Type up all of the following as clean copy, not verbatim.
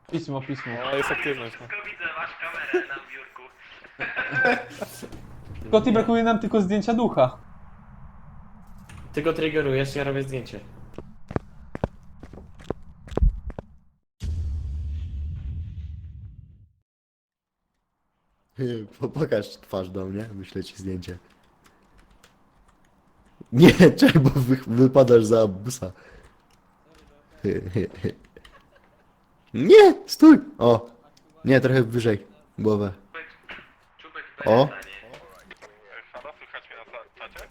Pismo, pismo. No, jest aktywność. No. Tylko widzę wasz kamerę na biurku. Scotty, brakuje nam tylko zdjęcia ducha. Ty go triggerujesz, ja robię zdjęcie. Pokaż twarz do mnie, wyślę ci zdjęcie. Nie, czekaj, bo wypadasz za busa. Nie, stój! O! Nie, trochę wyżej głowę. Czubek O. pytanie. Halo, słychać mnie na czacie?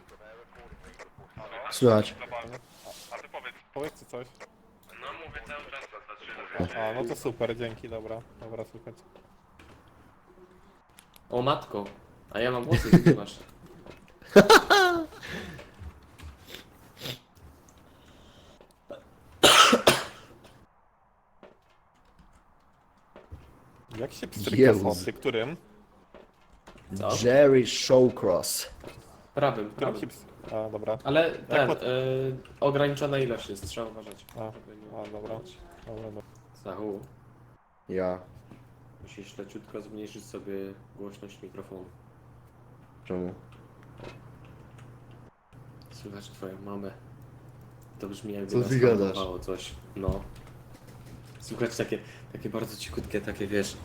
Słychać. A ty powiedz coś. No mówię cały czas, patrzę. A, no to super, dzięki, dobra. Dobra, słychać. O matko, a ja mam włosy, ty nie masz. Jak się pstryka Jezus. soty? Którym? Co? Jerry Shawcross. Prawym, Którym prawym. się A, dobra. Ale ten, pod- ograniczona ilość jest, trzeba uważać. A, dobra. Dobra, dobra. Zachu, Ja. musisz leciutko zmniejszyć sobie głośność mikrofonu. Czemu? Słychać twoją mamę. To brzmi jakby Co nas ty gadasz? hamowało coś. No. Słychać takie bardzo cichutkie, takie wiesz.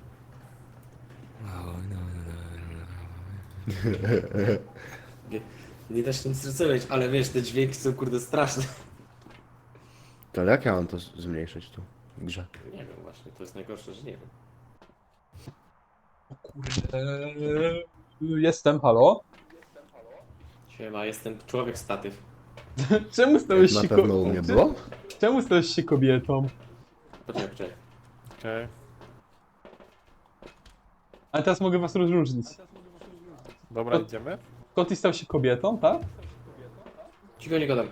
Nie da się nic zrozumieć, ale wiesz, te dźwięki są kurde straszne. To jak ja mam to zmniejszyć tu w grze? Nie wiem właśnie, to jest najgorsze, że nie wiem. O kurde. Jestem, halo? Siema, jestem człowiek statyw. Czemu stałeś Na się pewno u mnie było? Czemu stałeś się kobietą? Poczekaj. Okej. Ale teraz mogę was rozróżnić. Dobra, To- idziemy? Scotty stał się kobietą, tak? Cicho nie gadam.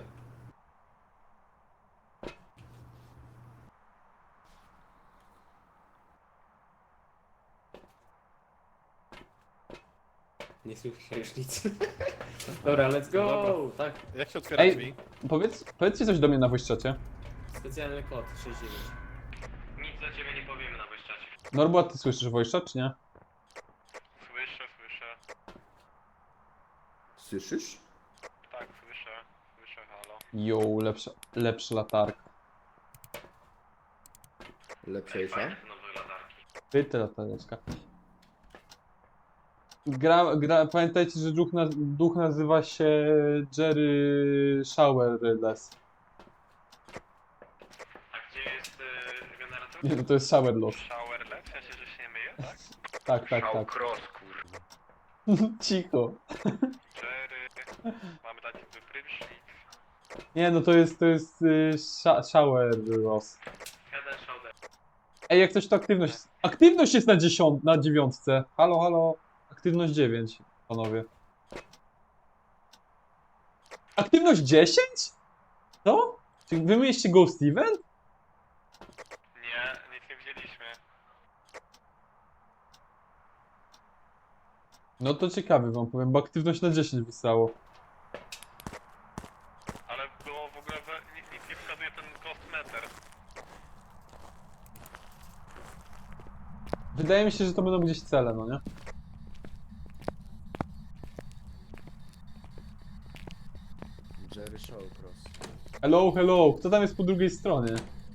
Nie słyszę już nic. Dobra, let's go! Dobra. Tak, Jak się otwiera Ej. drzwi? Powiedzcie coś do mnie na voice czacie. specjalny kod 69. Nic do ciebie nie powiemy na wyjściacie. Norbu, a ty słyszysz voice chat, czy nie? Słyszę, słyszę. Słyszysz? Tak, słyszę. Słyszę, halo. Jo, lepsza latarka. Lepszejsza? Fajne te nowe latarki. Pyta latareczka. Pamiętajcie, że duch nazywa się Jerry Showerless. A gdzie jest generator? Nie, to jest Showerless. Showerless? W sensie, że się nie myje, tak? Tak, tak, tak. Cross, kurwa. Cicho. Jerry. Mamy dać wyprysznik. Nie, no to jest Showerless. Jeden shoulder. Ej, jak coś to aktywność. Aktywność jest na dziewiątce. Halo, halo. Aktywność 9, panowie. Aktywność 10? Co? Czy wy mieliście Ghost Event? Nie, nic nie widzieliśmy. No to ciekawy wam powiem, bo aktywność na 10 wystało. Ale było w ogóle, nic nie wskazuje ten ghost meter. Wydaje mi się, że to będą gdzieś cele, no nie? Jerry Shawcross. Hello, hello, kto tam jest po drugiej stronie?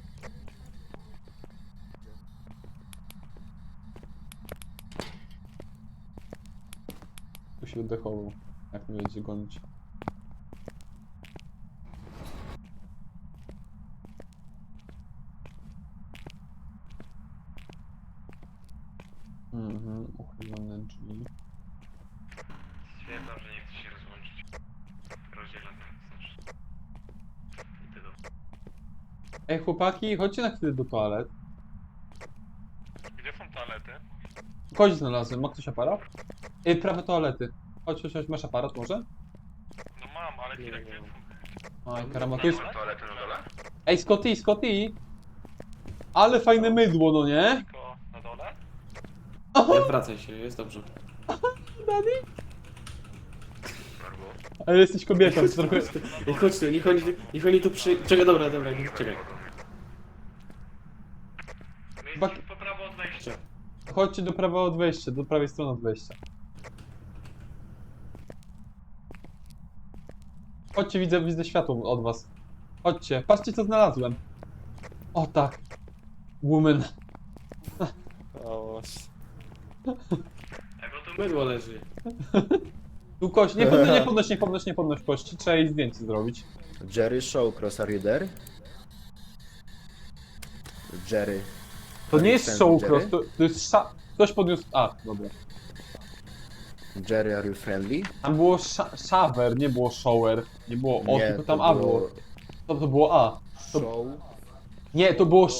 Tu się oddechował, jak mnie będzie gonić. Uchylone drzwi. Stwierdzam, że nie chce się rozłączyć. Rozdzielam jak znaczy. I ty do... Ej chłopaki, chodźcie na chwilę do toalet. Gdzie są toalety? Chodź znalazłem, ma ktoś aparat? Ej, prawe toalety. Chodź, masz aparat może? No mam, ale Nie, chwilę, nie gdzie mam. są? Oj, karamba, to jest... toalety na dole? Ej, Scotty! Ale fajne mydło, no nie? Tylko na dole? Nie odwracaj się, jest dobrze. Daddy? Ale jesteś kobietą, to trochę... Ej, chodź tu, niech oni tu przy... Czekaj, dobra, czekaj. Jest po prawo od wejścia. Chodźcie do prawa od wejścia, do prawej strony od wejścia. Chodźcie, widzę światło od was. Chodźcie, patrzcie co znalazłem. O tak. Woman. O, Ej, bo tu Mydło leży. Tu kość, nie podnoś kości, trzeba jej zdjęcie zrobić. Jerry Shawcross, are you there? Jerry. To Are nie you jest friendly, showcross, Jerry? to jest ktoś podniósł... A, dobra. Jerry, are you friendly? Tam było shower, nie było shower. Nie było O, Nie, tylko tam A było. To było A. To- Show. Nie, to było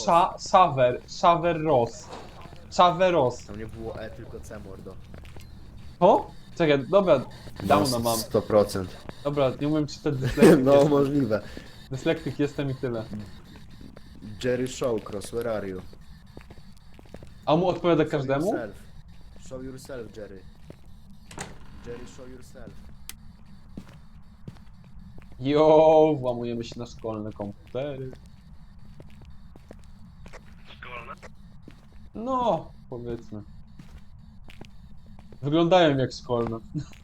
Shaveros. Tam nie było E, tylko C, mordo. O? Czekaj, dobra, downa mam. 100%. Dobra, nie umiem czytać dyslektyk. No, jestem. możliwe. Dyslektyk jestem i tyle. Jerry Shawcross, where are you? A mu odpowiada Show każdemu? yourself. Show yourself, Jerry. Jerry, show yourself. Jo, włamujemy się na szkolne komputery. szkolne. No, powiedzmy. Wyglądają jak szkolne.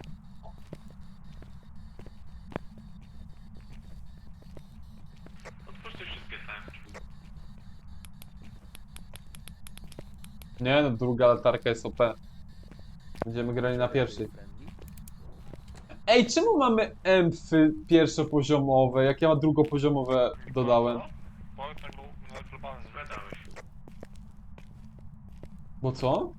Otwórzcie wszystkie te. Nie no, druga latarka jest OP. Będziemy grali na pierwszej. Ej, czemu mamy empy pierwszopoziomowe, jak ja drugopoziomowe dodałem? Bo tak był na globalny. Zgadałeś. Bo co?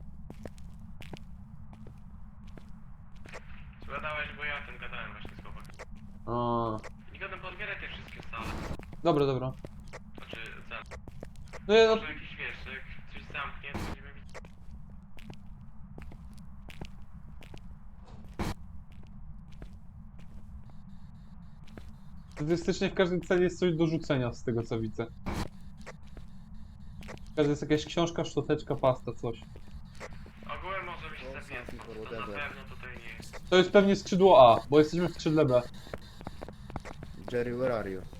Zgadałeś, bo ja o tym gadałem właśnie z chłopakiem. A, Nie gadam, podbieraj te wszystkie sale. dobra, dobra. Znaczy, za... No ja, Może jakiś wiesz, jak coś zamknie, to będziemy widzieć. statystycznie w każdej celi jest coś do rzucenia z tego co widzę. W każdej jest jakaś książka, szczoteczka, pasta, coś. Ogółem może być No, zapięte, something or to na whatever. pewno tutaj nie jest. To jest pewnie skrzydło A, bo jesteśmy w skrzydle B. Jerry, where are you?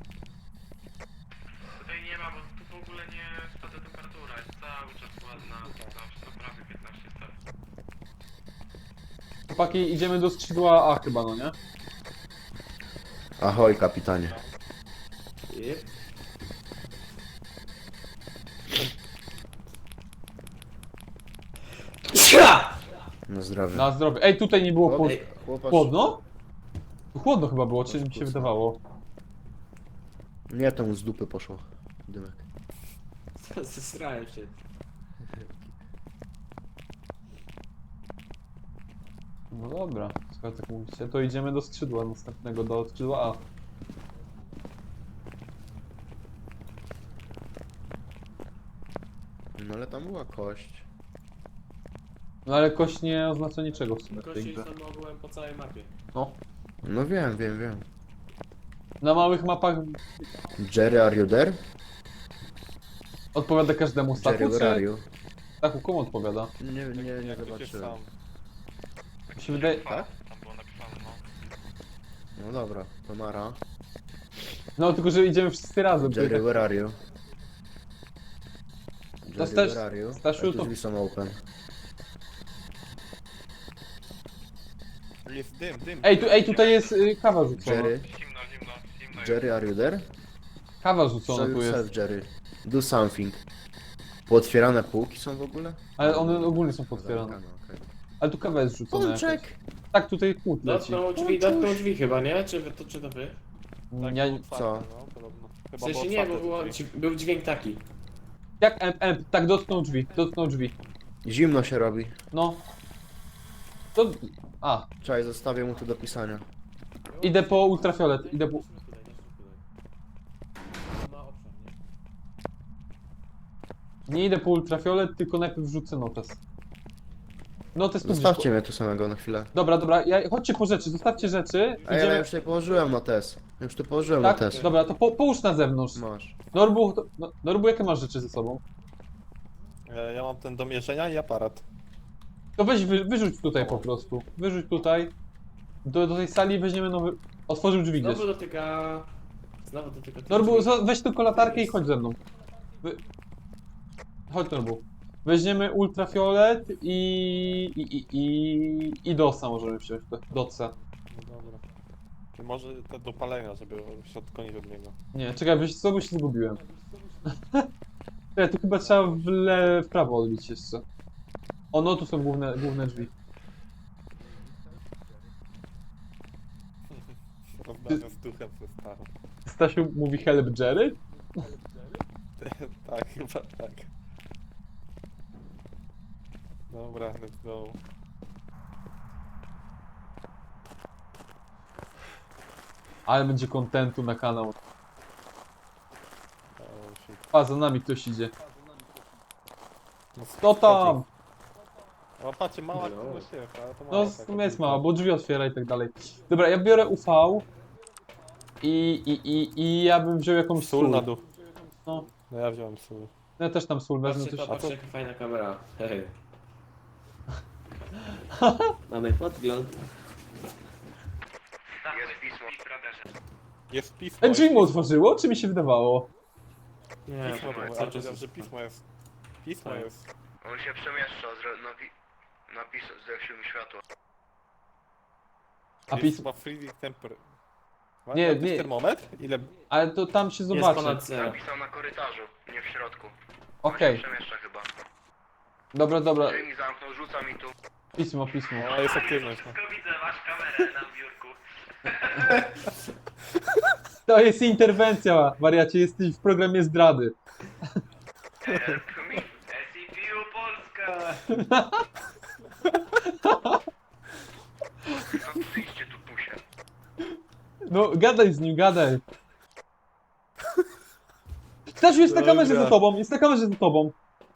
Tutaj nie ma, bo tu w ogóle nie spada temperatura, jest cały czas ładna, 15, no prawie 15 stopni. Chłopaki, idziemy do skrzydła A chyba, no nie? Ahoj, kapitanie. Yep. Na zdrowie. Na zdrowie. Ej, tutaj nie było Ej, chłopak... chłodno? Tu chłodno chyba było, czy mi się wydawało? Nie, to mu z dupy poszło. Dymek. Zesrałem się. No dobra, skoro tak mówicie, to idziemy do skrzydła następnego, do skrzydła A. No ale tam była kość. No ale kość nie oznacza niczego w sumie w tej Kości grze. są ogółem po całej mapie. No. No wiem. Na małych mapach Jerry, are you there? odpowiada każdemu Stachu, Jerry, where are czy... you? Stachu, komu odpowiada? Nie zobaczyłem. Mi się wydaje... Tak? Tam było napisane, no. No dobra, to Mara. No tylko, że idziemy wszyscy razem. to i Jerry, tak- where are you? Jerry, Staś- where are you? Stasiu, Ej, tu to- drzwi są open. Jest dym. Ej, tutaj jest kawa rzucona. Jerry, Zimno. Jerry, are you there? Kawa Show rzucona tu jest. yourself, Jerry. Do something. Pootwierane półki są w ogóle? Ale one ogólnie są potwierane. Zamykane, okej. Ale tu kawa jest rzucona jakaś. Pączek! Tak, tutaj chłód leci. Dotknął drzwi chyba, nie? Czy to wy? Ja... Co? No, podobno. W Chyba sensie było nie, bo otwarte było, drzwi. był dźwięk taki. Jak tak dotknął drzwi. Zimno się robi. No. To... A, Czekaj, zostawię mu to do pisania. idę po ultrafiolet, idę po... Ma obszar, nie? Nie idę po ultrafiolet, tylko najpierw rzucę notes. Notes tu gdzieś... Zostawcie mnie tu samego na chwilę. Dobra, chodźcie po rzeczy, zostawcie rzeczy. A ja już tutaj położyłem na test. Już tu położyłem Tak? na test. Dobra, to połóż na zewnątrz. Masz. Norbu, jakie masz rzeczy ze sobą? Ja mam ten do mierzenia i aparat. To weź, wyrzuć tutaj po prostu. Wyrzuć tutaj. Do tej sali weźmiemy nowy... Otworzył drzwi gdzieś. Znowu dotyka... Znowu dotyka... Norbu, weź tylko latarkę i chodź ze mną. Chodź Norbu. Weźmiemy ultrafiolet i DOSa możemy wziąć. DOCa. No dobra. I może te do palenia, żeby się odklonić od niego. Nie, czekaj, wiesz co, bo się zgubiłem. Czekaj, tu chyba trzeba w prawo odbić jeszcze. O, no tu są główne drzwi. Rozmawiam z duchem ze starą. Stasiu mówi help Jerry? Tak, chyba tak. Dobra, let's go. Ale będzie kontentu na kanał. O, shit. A, za nami ktoś idzie. No, Kto tam? O, patrzcie, mała No. ścieżka, ale to No, mała. w sumie jest mała, bo drzwi otwiera i tak dalej. Dobra, ja biorę UV i ja bym wziął jakąś Sól na dół. No, No ja wziąłem sól. ja też tam sól wezmę Patrzcie coś. to, patrzcie jaka fajna kamera. Hej. Mamy podgląd. Jest pismo w radarze. Jest pismo. Drzwi jest mu otworzyło, czy mi się wydawało? Nie, pismo, cały ale czas powiedział, jest. że pismo jest. Pismo Tak. jest. On się przemieszcza, napis zgasił mi światło. A Jest pismo. chyba freezing temper. Nie, Ma ktoś nie. termometr? Ile? Ale to tam się Jest zobaczy. ponad zero. Napisał na korytarzu, nie w środku. Okej, On się przemieszcza chyba. dobra. Drzwi mi zamknął, rzuca mi tu. Pismo. O, jest aktywność. No. Tylko widzę wasz kamerę na biurku. To jest interwencja, wariacie, jesteś w programie zdrady. SCPU Polska! No przyjdźcie tu pusie. No, gadaj z nim, gadaj. Stasiu, jest na Dobra. kamerze za tobą, jest na kamerze za tobą.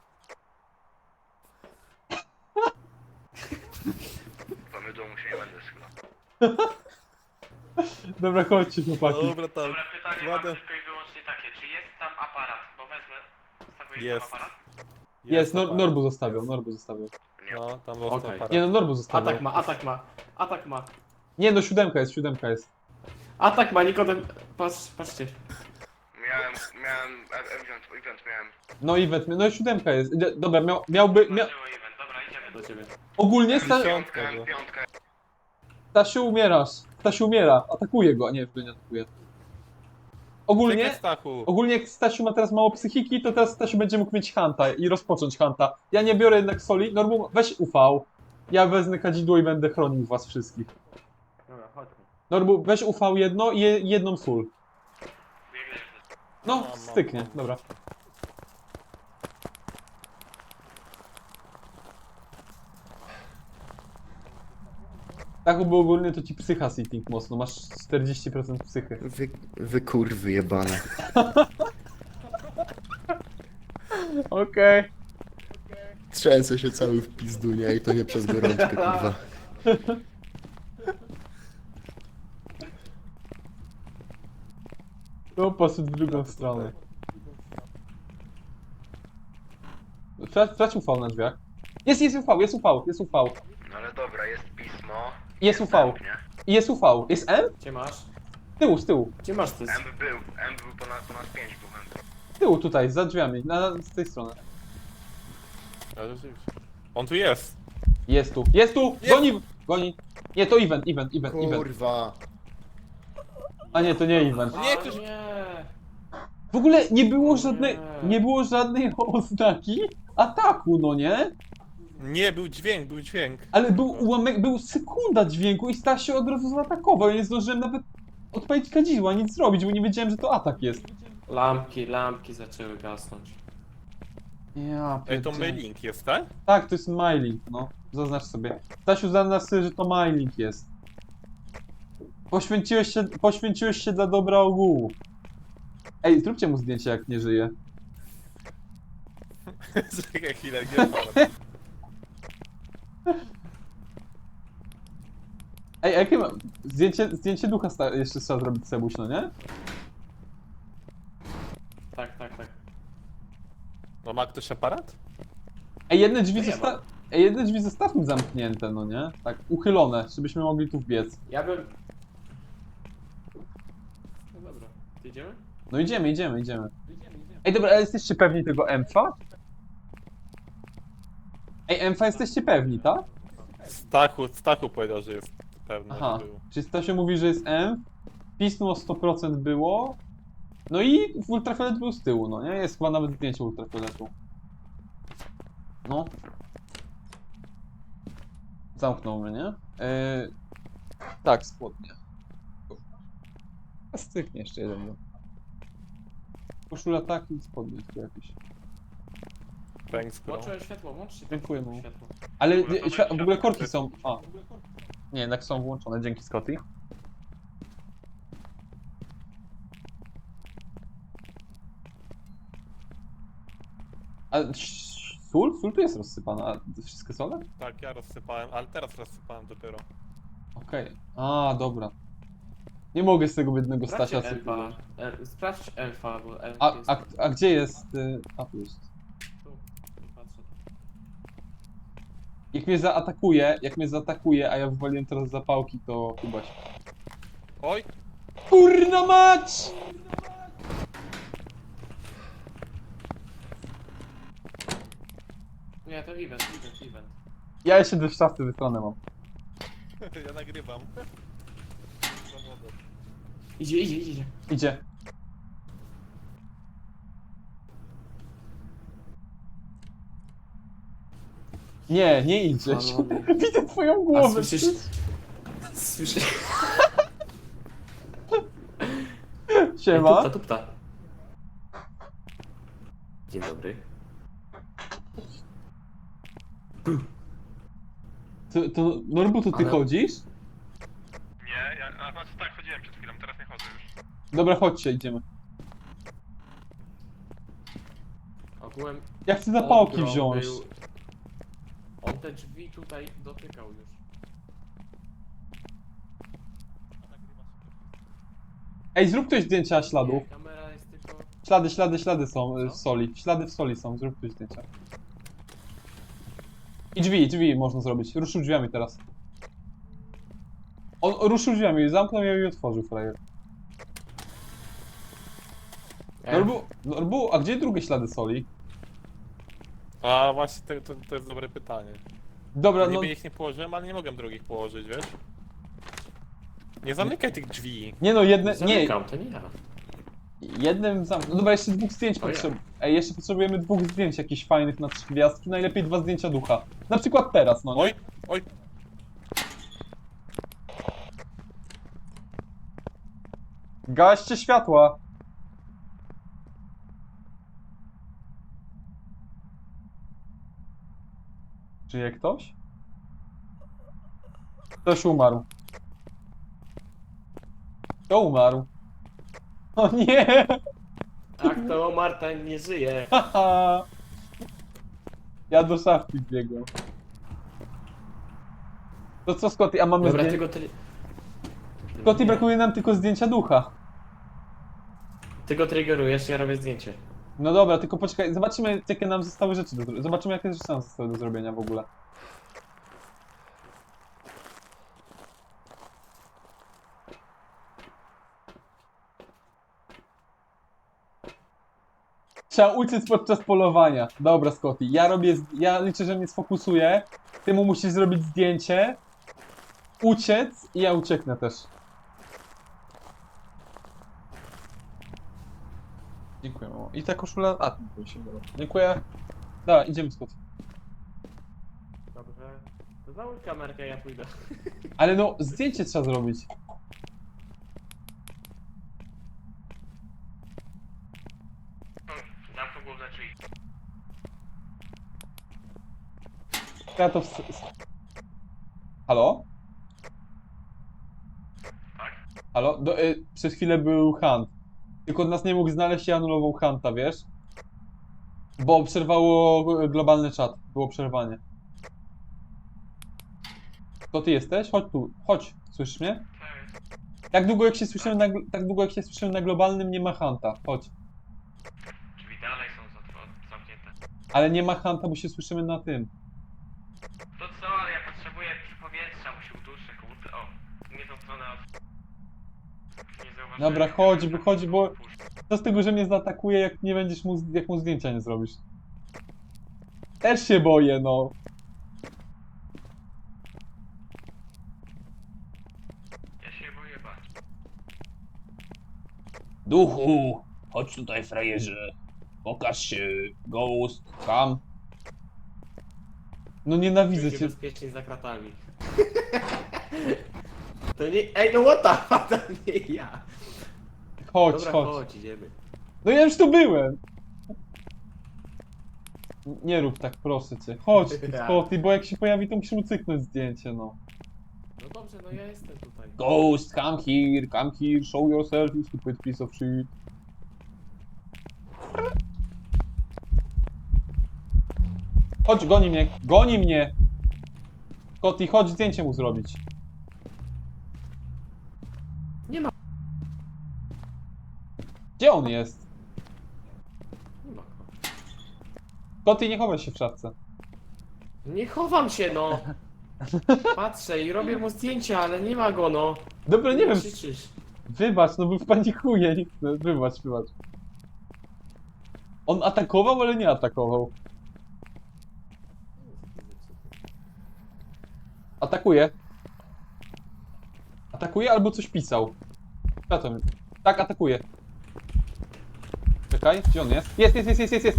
Mamy domu się nie będę schylał. Dobra, chodźcie chłopaki. Dobra, tam. Dobra, pytanie Ładę. mam tylko i wyłącznie takie, czy jest tam aparat? Bo wezmę, wstawię Jest. tam aparat? Jest, aparat. Norbu zostawiał. No, tam został Okej. aparat. Nie no, Norbu zostawiał. Atak ma. Nie no, siódemka jest. Atak ma, Nikodem. Patrzcie. Miałem event miałem. No event, no i siódemka jest. Dobra, miałby... Zobaczyło event, dobra, idziemy. Do ciebie. Ogólnie Piątka, no. Piątka. Stasiu umierasz. Stasiu umiera. Atakuje go. A nie, to nie atakuje. Ogólnie... Czekaj, Stachu. Ogólnie jak Stasiu ma teraz mało psychiki, to teraz Stasiu będzie mógł mieć Hanta i rozpocząć Hanta. Ja nie biorę jednak soli. Norbu, weź UV. Ja wezmę kadzidło i będę chronił was wszystkich. Dobra, chodźmy. Norbu, weź UV jedno i jedną sól. Biegnę. No, Mam. styknie, dobra. Tak, bo ogólnie to ci psycha sitting mocno, masz 40% psychy. Wy kurwy jebane. Okej. Trzęsę się cały w pizdu, nie? I to nie przez gorączkę, kurwa. To poszedł w drugą stronę. Sprawdź UV na drzwiach. Jest UV. No ale dobra, jest pismo. Jest UV. Nie? I jest UV. Jest M? Gdzie masz? Z tyłu. Gdzie masz to? M był ponad 5 był M. Z tyłu tutaj, za drzwiami, z tej strony. Ale rzeczywiście. On tu jest. Jest tu. Goni. Nie, to event. Kurwa. A nie, to nie event. Nie, ktoś... Nie. W ogóle nie było żadnej oznaki ataku, no nie? Nie, był dźwięk. Ale był ułamek, był sekunda dźwięku i Stasio od razu zaatakował. Ja nie zdążyłem nawet odpalić kadzidła, nic zrobić, bo nie wiedziałem, że to atak jest. Lampki zaczęły gasnąć. Ja Ej, to pierdzielę. mailing jest, tak? Tak, to jest MyLink, no. Zaznacz sobie. Stasiu, zaznacz sobie, że to MyLink jest. Poświęciłeś się dla dobra ogółu. Ej, zróbcie mu zdjęcie, jak nie żyje. Czekaj chwilę, gdzie aparat? Ej, jakie ma... Zdjęcie ducha jeszcze trzeba zrobić, Sebuś, no nie? Tak. No ma ktoś aparat? Ej, jedne drzwi, Nie ma. jedne drzwi zostawmy zamknięte, no nie? Tak, uchylone, żebyśmy mogli tu wbiec. Ja bym... No dobra, to idziemy? No idziemy. Ej, dobra, ale jesteście pewni tego M2? Ej, Emfa jesteście pewni, tak? Stachu powiedział, że jest pewny, Aha, że był. czyli Stasio mówi, że jest M, pismo 100% było, no i ultrafiolet był z tyłu, no nie? Jest chyba nawet zdjęcie ultrafioletu. No. Zamknął mnie, nie? Tak, spodnie. A styknie jeszcze jeden. No. Koszula tak i spodnie tu jakieś. Thanks, bro. Włączyłem światło, włączcie Dziękuję mu. światło. Ale W ogóle to w ogóle korki są... A. Nie, jednak są włączone, dzięki Scotty. A sól? Sól tu jest rozsypana, a wszystkie sole? Tak, ja rozsypałem, ale teraz rozsypałem dopiero. Okej. A, dobra. Nie mogę z tego biednego Stasia Sprawdźcie sypać. Elfa. Sprawdź Elfa, bo Elf A, jest... a gdzie jest... A, tu jest. Tu, patrzę. Jak mnie zaatakuje, a ja wywaliłem teraz zapałki, to chyba się... Oj! Kurna mać! Nie, to event. Ja jeszcze do szafy wystronę mam. Ja nagrywam. Zawodem. Idzie. Idzie. Nie idzie. Panowie. Widzę twoją A głowę. słyszysz? Siema. Tupta. Dzień dobry. To Norbu, to ty Ale- chodzisz? Nie, a znaczy tak, chodziłem przed chwilą, teraz nie chodzę już. Dobra, chodźcie, idziemy. Ogółem... Ja chcę zapałki Odgrom wziąć. był- On te drzwi tutaj dotykał już. Ej, zrób ktoś zdjęcia śladów. Nie, kamera jest tylko... Ślady są w soli. Ślady w soli są, zrób ktoś zdjęcia. I drzwi można zrobić. Ruszył drzwiami teraz. On ruszył drzwiami, zamknął je i otworzył frajer. Norbu, a gdzie drugie ślady soli? A właśnie to jest dobre pytanie. Dobra, no... Niby ich nie położyłem, ale nie mogłem drugich położyć, wiesz? Nie zamykaj tych drzwi. Nie no, nie, Zamykam, to nie ja. jednym zamknął. Dobra, jeszcze dwóch zdjęć O ja. potrzebujemy. Ej, jeszcze potrzebujemy dwóch zdjęć jakichś fajnych na 3 gwiazdki, najlepiej 2 zdjęcia ducha. Na przykład teraz, no nie? Oj! Gaście światła! Żyje ktoś? Ktoś umarł. Kto umarł? O nie! Tak, to Marta nie żyje. Haha! Ja do szafki biegłem. To co, Scotty, a mamy Dobra, zdjęcie? tylko Scotty, brakuje nam tylko zdjęcia ducha. Ty go triggerujesz, ja robię zdjęcie. No dobra, tylko poczekaj, zobaczymy jakie nam zostały rzeczy do zrobienia. Zobaczymy jakie rzeczy nam zostały do zrobienia w ogóle. Trzeba uciec podczas polowania. Dobra, Scotty, ja liczę, że mnie sfokusuje. Ty mu musisz zrobić zdjęcie, uciec i ja ucieknę też. Dziękuję, mamo. I ta koszula... A, tu się dobra. Dziękuję. Dobra, idziemy, Scotty. Dobrze. To załóż kamerkę, ja pójdę. Ale no, zdjęcie trzeba zrobić. Zamknął główne drzwi. Ja to Halo? Tak? Halo? Przez chwilę był Hunt. Tylko nas nie mógł znaleźć i anulował Hunta, wiesz? Bo przerwało globalny czat. Było przerwanie. To ty jesteś? Chodź tu. Chodź. Słyszysz mnie? Tak. Tak długo jak się słyszymy na globalnym, nie ma Hunta. Chodź. Drzwi dalej są zamknięte. Ale nie ma Hunta, bo się słyszymy na tym. To co, ale ja potrzebuję powietrza, musi uduszę, kurde. O, nie tą stronę nie zauważyłem. Dobra, chodź, bo... Co z tego, że mnie zaatakuje, jak nie będziesz jak mu zdjęcia nie zrobisz? Też się boję, no. Duchu, chodź tutaj, frajerze. Pokaż się, Ghost, come. No nienawidzę Będzie cię. bezpiecznie za kratami. To nie... Ej, no what the fuck, to nie ja. Chodź, Dobra, chodź. chodź, idziemy. No ja już tu byłem. Nie rób tak, proszę cię. Chodź, Scotty, bo jak się pojawi, to musimy cyknąć zdjęcie, no. No dobrze, no ja jestem tutaj. Ghost, come here, show yourself, you stupid piece of shit. Chodź, goni mnie! Scotty, chodź zdjęcie mu zrobić. Nie ma. Gdzie on jest? Nie ma go. Scotty, nie chowaj się w szafce. Nie chowam się, no. Patrzę i robię mu zdjęcia, ale nie ma go, no. Dobra, nie wiem, Krzyczysz. wybacz, no bo wpanikuję, nie chcę, wybacz. On atakował, ale nie atakował. Atakuje. Atakuje albo coś pisał. Co to? Tak, atakuje. Czekaj, gdzie on jest? Jest!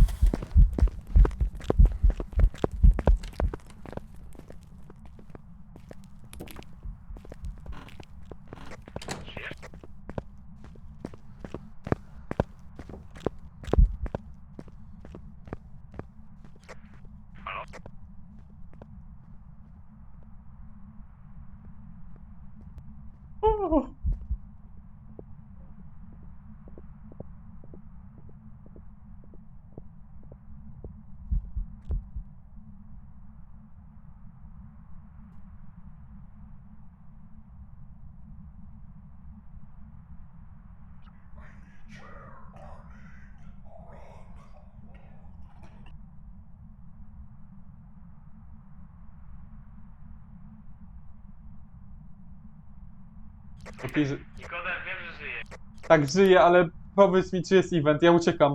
Okej, Nikodem, wiem, że żyje. tak, żyje, ale powiedz mi, czy jest event, ja uciekam.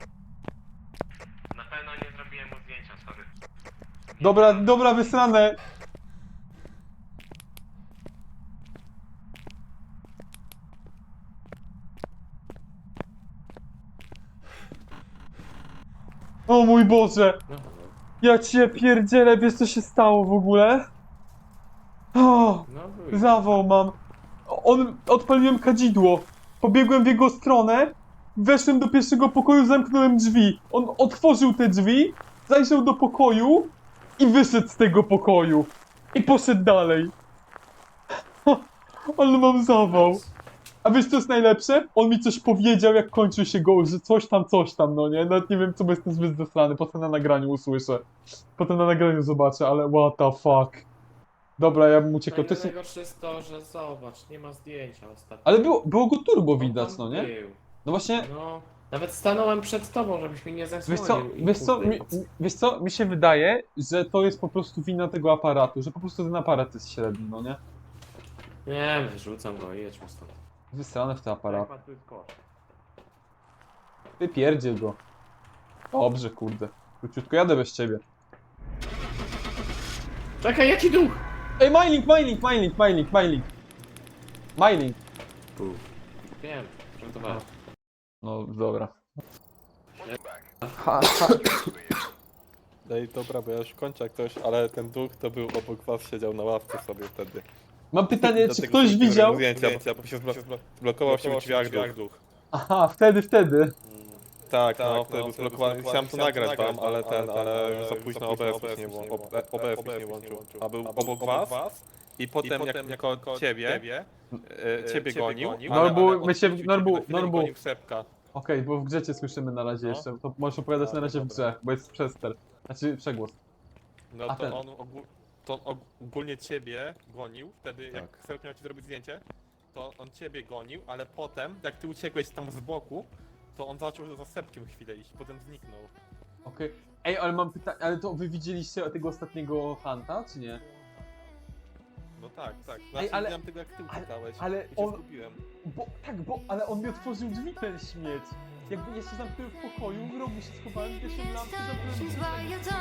Na pewno nie zrobiłem mu zdjęcia, sorry. Dobra, wysrane. O mój Boże! No, Ja cię pierdzielę, wiesz co się stało w ogóle? O, no wyjdź. zawał mam. Odpaliłem kadzidło. Pobiegłem w jego stronę, weszłem do pierwszego pokoju, zamknąłem drzwi. On otworzył te drzwi, zajrzał do pokoju i wyszedł z tego pokoju. I poszedł dalej. Ale mam zawał. A wiesz co jest najlepsze? On mi coś powiedział, jak kończył się go, że coś tam, no nie? Nawet nie wiem, co, bo jestem zbyt zesrany. Potem na nagraniu usłyszę. Potem na nagraniu zobaczę, ale what the fuck. Dobra, ja bym uciekał. To jest... Najgorsze jest to, że zobacz, nie ma zdjęcia ostatnio. Ale było go turbo On widać, tam no nie? był. No właśnie, No, nawet stanąłem przed tobą, żebyś mi nie zasłonił. wiesz co, mi się wydaje, że to jest po prostu wina tego aparatu, że po prostu ten aparat jest średni, no nie? Nie, wyrzucam go i jedźmy stąd. Wysrane w ten aparat. Tu jest kosz. Wypierdziel go. Dobrze, kurde. Króciutko jadę bez ciebie. Czekaj, jaki duch? Ej, Mylink! Wiem, żartowałem. No, dobra. Ej, dobra, bo ja już kończę jak ktoś, ale ten duch to był obok was, siedział na ławce sobie wtedy. Mam pytanie, czy Dlatego ktoś sobie widział? zdjęcia, bo się zblokował się w drzwiach duch. Aha, wtedy. Tak, no, wtedy był zblokowany. Chciałem to nagrać wam, ale już za późno OBS mi się nie włączył. A był obok was i potem jak koło ciebie gonił, Norbu. gonił Sepka. Okej, bo w grze cię słyszymy na razie No. jeszcze. To możesz opowiadać na razie w grze, bo jest przester. Znaczy przegłos. No A ten. to on ogólnie ciebie gonił, wtedy jak Tak. Sepk miał ci zrobić zdjęcie, to on ciebie gonił, ale potem jak ty uciekłeś tam z boku, to on zaczął za Sepkiem chwilę iść, potem zniknął. Okej. Ej, ale mam pytanie, ale to wy widzieliście tego ostatniego Hunta, czy nie? No tak. Znaczy, ale- widziałem tego jak ty uciekałeś ale i się on- zgubiłem. Ale on mi otworzył drzwi, ten śmieć. Jakby ja się zamknąłem w pokoju, w rogu się schowałem, wiesz, lampy, zamknąłem drzwi.